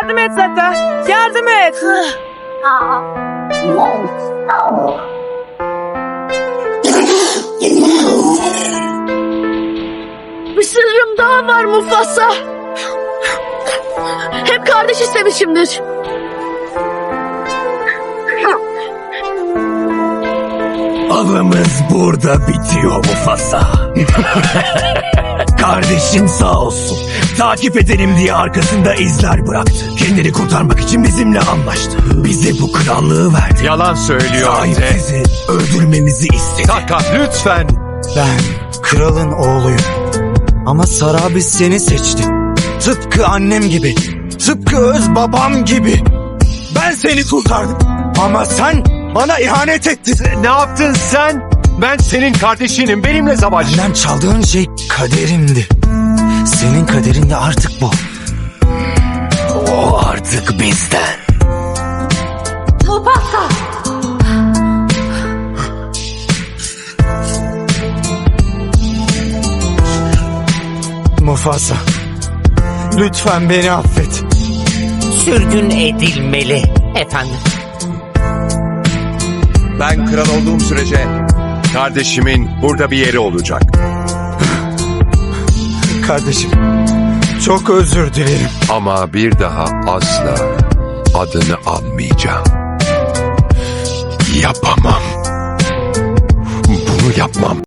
Yardım et Zata. Yardım et. Bir sırrım daha var Mufasa. Hep kardeş istemişimdir. Avımız burada bitiyor Mufasa. Kardeşin sağ olsun. Takip edelim diye arkasında izler bıraktı. Kendini kurtarmak için bizimle anlaştı. Bize bu krallığı verdi. Yalan söylüyor Te. Sahipsizi öldürmemizi istedi. Taka lütfen. Ben kralın oğluyum. Ama Sarabi seni seçti. Tıpkı annem gibi. Tıpkı öz babam gibi. Ben seni kurtardım. Ama sen bana ihanet ettin. Ne yaptın sen? Ben senin kardeşinim. Benimle savaş. Benden çaldığın şey kaderimdi. Senin kaderin de artık bu. O artık bizden. Mufasa. Mufasa, lütfen beni affet. Sürgün edilmeli efendim. Ben kral olduğum sürece kardeşimin burada bir yeri olacak. Kardeşim, çok özür dilerim. Ama bir daha asla adını almayacağım. Yapamam. Bunu yapmam.